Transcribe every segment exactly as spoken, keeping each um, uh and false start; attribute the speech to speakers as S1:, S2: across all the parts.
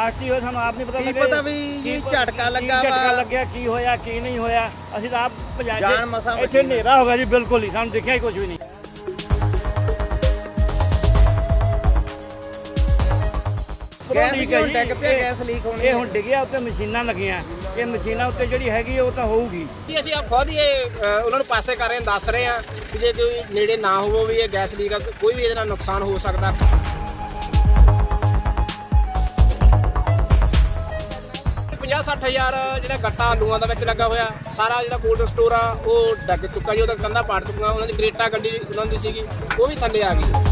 S1: Blast ਹੀ ਹੋਇਆ ਸਾਨੂੰ ਆਪ ਨਹੀਂ ਪਤਾ
S2: ਕੀ
S1: ਲੱਗਿਆ
S2: ਪਤਾ ਵੀ ਜੀ ਝਟਕਾ ਲੱਗਾ
S1: ਕੀ ਝਟਕਾ
S2: ਵਾ
S1: ਲੱਗਿਆ ਕੀ ਹੋਇਆ ਕੀ ਨਹੀਂ ਹੋਇਆ ਅਸੀਂ ਤਾਂ ਆਪ ਭਜਾ
S2: ਜਾਨ ਮਸਾਂ
S1: ਇੱਥੇ ਹਨੇਰਾ ਹੋ ਗਿਆ ਜੀ ਬਿਲਕੁਲ ਹੀ ਸਾਨੂੰ ਦਿਖਿਆ ਹੀ ਕੁਝ ਵੀ ਨਹੀਂ।
S2: ਗੈਸ
S1: ਲੀਕ
S2: ਕਿਉਂ
S1: ਹੈ
S2: ਡਿੱਗ ਪਿਆ
S1: ਇਹ-
S2: ਗੈਸ ਲੀਕ ਹੋਣੀ
S1: ਇਹ ਹੁਣ ਡਿੱਗਿਆ ਉੱਤੇ ਮਸ਼ੀਨਾਂ ਲੱਗੀਆਂ ਇਹ ਮਸ਼ੀਨਾਂ ਉੱਤੇ ਜਿਹੜੀ ਹੈਗੀ ਉਹ ਤਾਂ ਹੋਊਗੀ
S3: ਜੀ ਅਸੀਂ ਆ ਖੁਦ ਹੀ ਇਹ ਅ, ਉਹਨਾਂ ਨੂੰ ਪਾਸੇ ਕਰ ਰਹੇ ਹਾਂ ਦੱਸ ਰਹੇ ਹਾਂ ਕਿ ਜੇ ਕੋਈ ਨੇੜੇ ਨਾ ਹੋਵੋ ਵੀ ਇਹ ਗੈਸ ਲੀਕ ਆ ਕੋਈ ਵੀ ਇਹਦੇ ਨਾਲ ਨੁਕਸਾਨ ਹੋ ਸਕਦਾ। ਪੰਜਾਹ ਸੱਠ ਹਜ਼ਾਰ ਜਿਹੜਾ ਗੱਟਾ ਆਲੂਆਂ ਦਾ ਵਿੱਚ ਲੱਗਾ ਹੋਇਆ ਸਾਰਾ ਜਿਹੜਾ ਕੋਲਡ ਸਟੋਰ ਆ ਉਹ ਡੱਗ ਚੁੱਕਾ ਜੀ ਉਹਦਾ ਕੰਧਾਂ ਪਾੜ ਚੁੱਕੀਆਂ ਉਹਨਾਂ ਦੀ ਕਰੇਟਾ ਗੱਡੀ ਉਹਨਾਂ ਦੀ ਸੀਗੀ ਉਹ ਵੀ ਥੱਲੇ ਆ ਗਈ।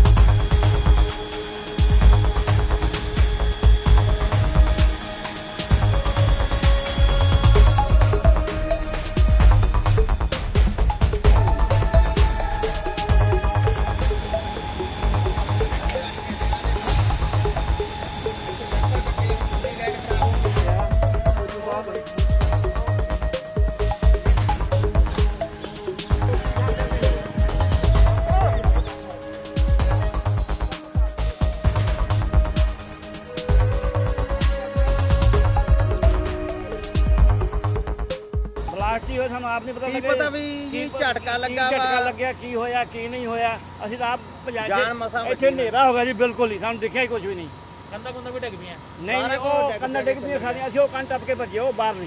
S1: ਬਲਾਸਟ ਹੀ ਹੋਇਆ ਸਾਨੂੰ ਆਪ ਨਹੀਂ ਪਤਾ
S2: ਕੀ
S1: ਲੱਗਿਆ
S2: ਪਤਾ ਵੀ ਜੀ ਝਟਕਾ ਲੱਗਾ
S1: ਕੀ ਝਟਕਾ
S2: ਵਾ
S1: ਲੱਗਿਆ ਕੀ ਹੋਇਆ ਕੀ ਨਹੀਂ ਹੋਇਆ ਅਸੀਂ ਤਾਂ ਆਪ ਭਜਾ
S2: ਜਾਨ ਮਸਾਂ
S1: ਇੱਥੇ ਹਨੇਰਾ ਹੋ ਗਿਆ ਜੀ ਬਿਲਕੁਲ ਹੀ ਸਾਨੂੰ ਦਿਖਿਆ ਹੀ ਕੁਝ ਵੀ ਨਹੀਂ।
S4: ਕੰਦਾ ਕੁੰਦਾ ਵੀ ਡਿੱਗ ਪਈਆਂ
S1: ਨਹੀਂ
S2: ਸਾਰਾ ਕੁਝ
S1: ਉਹ
S2: ਡਿੱਗ
S1: ਕੰਨਾ
S2: ਪਿਆ
S1: ਡਿੱਗ ਪਈ ਸਾਡੀਆਂ ਅਸੀਂ ਉਹ ਕੰਨ ਟੱਪ ਕੇ ਭੱਜੇ ਉਹ ਬਾਹਰ ਨਹੀਂ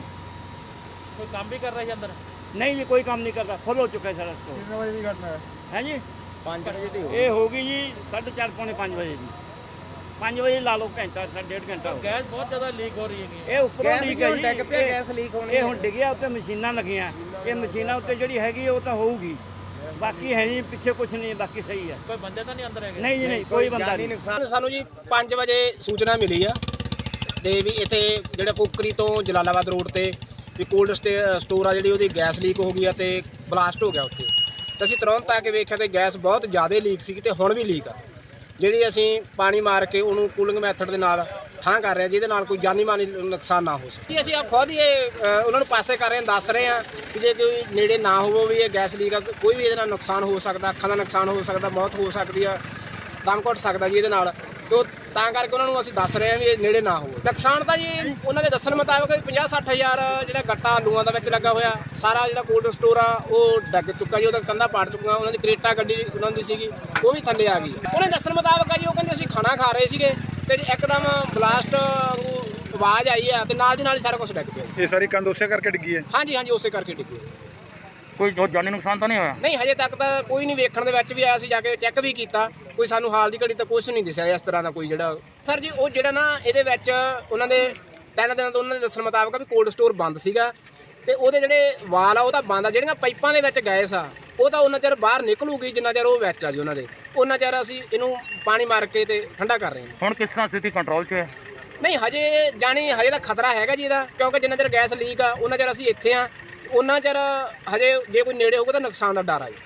S4: ਕੋਈ ਕੰਮ ਵੀ ਕਰ ਰਿਹਾ ਸੀ ਅੰਦਰ
S1: ਨਹੀਂ ਜੀ ਕੋਈ ਕੰਮ ਨਹੀਂ ਕਰਦਾ ਫੁੱਲ ਹੋ ਚੁੱਕਾ ਸਾਰਾ ਸਟੋਰ।
S2: ਕਿੰਨੇ ਵਜੇ ਦੀ ਘਟਨਾ ਹੈ
S1: ਹੈ ਜੀ
S2: ਪੰਜ ਵਜੇ ਦੀ ਹੋ
S1: ਇਹ ਹੋ ਗਈ ਜੀ ਸਾਢੇ ਚਾਰ ਪੌਣੇ ਪੰਜ ਵਜੇ ਦੀ ਪੰਜ ਵਜੇ ਲਾ ਲਓ ਘੰਟਾ ਸਾਢੇ ਡੇਢ ਘੰਟਾ ਹੋ ਗਿਆ।
S4: ਗੈਸ ਬਹੁਤ ਜ਼ਿਆਦਾ ਲੀਕ ਹੋ ਰਹੀ ਹੈਗੀ
S1: ਇਹ ਉੱਪਰੋਂ
S2: ਗੈਸ
S1: ਲੀਕ ਹੈ
S2: ਕਿਉਂ
S1: ਜੀ
S2: ਡਿੱਗ ਪਿਆ
S1: ਇਹ-
S2: ਗੈਸ ਲੀਕ ਹੋਣੀ
S1: ਇਹ ਹੁਣ ਡਿੱਗਿਆ ਉੱਤੇ ਮਸ਼ੀਨਾਂ ਲੱਗੀਆਂ ਇਹ ਮਸ਼ੀਨਾਂ ਉੱਤੇ ਜਿਹੜੀ ਹੈਗੀ ਉਹ ਤਾਂ ਹੋਊਗੀ ਬਾਕੀ ਹੈ ਨਹੀਂ ਪਿੱਛੇ ਕੁਝ ਨਹੀਂ ਬਾਕੀ ਸਹੀ ਹੈ
S4: ਕੋਈ ਬੰਦੇ ਤਾਂ ਨਹੀਂ ਅੰਦਰ ਹੈਗੇ
S1: ਨਹੀਂ ਜੀ ਨਹੀਂ ਕੋਈ ਬੰਦਾ
S2: ਜਾਨੀ
S1: ਨਹੀਂ।
S2: ਨੁਕਸਾਨ
S3: ਸਾਨੂੰ ਜੀ ਪੰਜ ਵਜੇ ਸੂਚਨਾ ਮਿਲੀ ਆ ਤੇ ਵੀ ਇੱਥੇ ਜਿਹੜਾ ਕੁੱਕਰੀ ਤੋਂ ਜਲਾਲਾਬਾਦ ਰੋਡ ਤੇ ਵੀ ਕੋਲਡ ਸਟੋਰ ਆ ਜਿਹੜੀ ਉਹਦੀ ਗੈਸ ਲੀਕ ਹੋ ਗਈ ਆ ਤੇ ਬਲਾਸਟ ਹੋ ਗਿਆ ਉੱਥੇ ਤੇ ਅਸੀਂ ਤੁਰੰਤ ਆ ਕੇ ਵੇਖਿਆ ਤੇ ਗੈਸ ਬਹੁਤ ਜ਼ਿਆਦਾ ਲੀਕ ਸੀ ਤੇ ਹੁਣ ਵੀ ਲੀਕ ਆ ਜਿਹੜੀ ਅਸੀਂ ਪਾਣੀ ਮਾਰ ਕੇ ਉਹਨੂੰ ਕੂਲਿੰਗ ਮੈਥਡ ਦੇ ਨਾਲ ਠਾਂ ਕਰ ਰਹੇ ਹਾਂ ਜਿਹਦੇ ਨਾਲ ਕੋਈ ਜਾਨੀ ਮਾਨੀ ਨੁਕਸਾਨ ਨਾ ਹੋ ਸਕੇ। ਜੀ ਅਸੀਂ ਆ ਖੁਦ ਹੀ ਇਹ ਅ, ਉਹਨਾਂ ਨੂੰ ਪਾਸੇ ਕਰ ਰਹੇ ਹਾਂ ਦੱਸ ਰਹੇ ਹਾਂ ਕਿ ਜੇ ਕੋਈ ਨੇੜੇ ਨਾ ਹੋਵੋ ਵੀ ਇਹ ਗੈਸ ਲੀਕ ਆ ਕੋਈ ਵੀ ਇਹਦੇ ਨਾਲ ਨੁਕਸਾਨ ਹੋ ਸਕਦਾ ਅੱਖਾਂ ਦਾ ਨੁਕਸਾਨ ਹੋ ਸਕਦਾ ਮੌਤ ਹੋ ਸਕਦੀ ਆ ਦਮ ਘੁੱਟ ਸਕਦਾ ਜੀ ਇਹਦੇ ਨਾਲ ਤੋ ਤਾਂ ਕਰਕੇ ਉਹਨਾਂ ਨੂੰ ਅਸੀਂ ਦੱਸ ਰਹੇ ਹਾਂ ਵੀ ਇਹ ਨੇੜੇ ਨਾ ਹੋਵੋ। ਨੁਕਸਾਨ ਤਾਂ ਜੀ ਉਹਨਾਂ ਦੇ ਦੱਸਣ ਮੁਤਾਬਕ ਪੰਜਾਹ ਸੱਠ ਹਜ਼ਾਰ ਜਿਹੜਾ ਗੱਟਾ ਆਲੂਆਂ ਦਾ ਵਿੱਚ ਲੱਗਾ ਹੋਇਆ ਸਾਰਾ ਜਿਹੜਾ ਕੋਲਡ ਸਟੋਰ ਆ ਉਹ ਡੱਗ ਚੁੱਕਾ ਜੀ ਉਹਦਾ ਕੰਧਾਂ ਪਾੜ ਚੁੱਕੀਆਂ ਉਹਨਾਂ ਦੀ ਕਰੇਟਾ ਗੱਡੀ ਉਹਨਾਂ ਦੀ ਸੀਗੀ ਉਹ ਵੀ ਥੱਲੇ ਆ ਗਈ। ਉਹਨੇ ਦੱਸਣ ਮੁਤਾਬਕ ਆ ਜੀ ਉਹ ਕਹਿੰਦੇ ਅਸੀਂ ਖਾਣਾ ਖਾ ਰਹੇ ਸੀਗੇ ਤੇ ਇੱਕਦਮ ਬਲਾਸਟ ਆਵਾਜ਼ ਆਈ ਆ ਤੇ ਨਾਲ ਦੀ ਨਾਲ ਹੀ ਸਾਰਾ ਕੁਝ ਡਿੱਗ ਪਿਆ ਜੀ।
S5: ਇਹ ਸਾਰੀ ਕੰਧ ਉਸੇ ਕਰਕੇ ਡਿੱਗੀ ਹੈ।
S3: ਹਾਂਜੀ ਹਾਂਜੀ ਉਸੇ ਕਰਕੇ ਡਿੱਗੀ।
S4: ਕੋਈ ਜਾਨੀ ਨੁਕਸਾਨ ਤਾਂ ਨਹੀਂ ਹੋਇਆ
S3: ਨਹੀਂ ਹਜੇ ਤੱਕ ਤਾਂ ਕੋਈ ਨਹੀਂ ਵੇਖਣ ਦੇ ਵਿੱਚ ਵੀ ਆਇਆ ਸੀ ਜਾ ਕੇ ਚੈੱਕ ਵੀ ਕੀਤਾ ਕੋਈ ਸਾਨੂੰ ਹਾਲ ਦੀ ਘੜੀ ਤਾਂ ਕੁਝ ਨਹੀਂ ਦਿਸਿਆ ਇਸ ਤਰ੍ਹਾਂ ਦਾ ਕੋਈ ਜਿਹੜਾ ਸਰ ਜੀ ਉਹ ਜਿਹੜਾ ਨਾ ਇਹਦੇ ਵਿੱਚ ਉਹਨਾਂ ਦੇ ਤਿੰਨ ਦਿਨਾਂ ਤੋਂ ਉਹਨਾਂ ਦੇ ਦੱਸਣ ਮੁਤਾਬਕ ਵੀ ਕੋਲਡ ਸਟੋਰ ਬੰਦ ਸੀਗਾ ਤੇ ਉਹਦੇ ਜਿਹੜੇ ਵਾਲ ਆ ਉਹ ਤਾਂ ਬੰਦ ਆ ਜਿਹੜੀਆਂ ਪਾਈਪਾਂ ਦੇ ਵਿੱਚ ਗੈਸ ਆ ਉਹ ਤਾਂ ਉਹਨਾਂ ਚਿਰ ਬਾਹਰ ਨਿਕਲੂਗੀ ਜਿੰਨਾ ਚਿਰ ਉਹ ਵਿੱਚ ਆ ਜੀ ਉਹਨਾਂ ਦੇ ਉਹਨਾਂ ਚਿਰ ਅਸੀਂ ਇਹਨੂੰ ਪਾਣੀ ਮਾਰ ਕੇ ਤੇ ਠੰਡਾ ਕਰ ਰਹੇ ਹਾਂ।
S4: ਹੁਣ ਕਿਸ ਤਰ੍ਹਾਂ ਸਥਿਤੀ ਕੰਟਰੋਲ 'ਚ ਹੈ
S3: ਨਹੀਂ ਹਜੇ ਜਾਣੀ ਹਜੇ ਤਾਂ ਖਤਰਾ ਹੈਗਾ ਜੀ ਇਹਦਾ ਕਿਉਂਕਿ ਜਿੰਨਾ ਚਿਰ ਗੈਸ ਲੀਕ ਆ ਉਹਨਾਂ ਚਿਰ ਅਸੀਂ ਇੱਥੇ ਆ ਉਹਨਾਂ ਚਿਰ ਹਜੇ ਜੇ ਕੋਈ ਨੇੜੇ ਹੋਊਗਾ ਤਾਂ ਨੁਕਸਾਨ ਦਾ ਡਰ ਆ ਜੀ।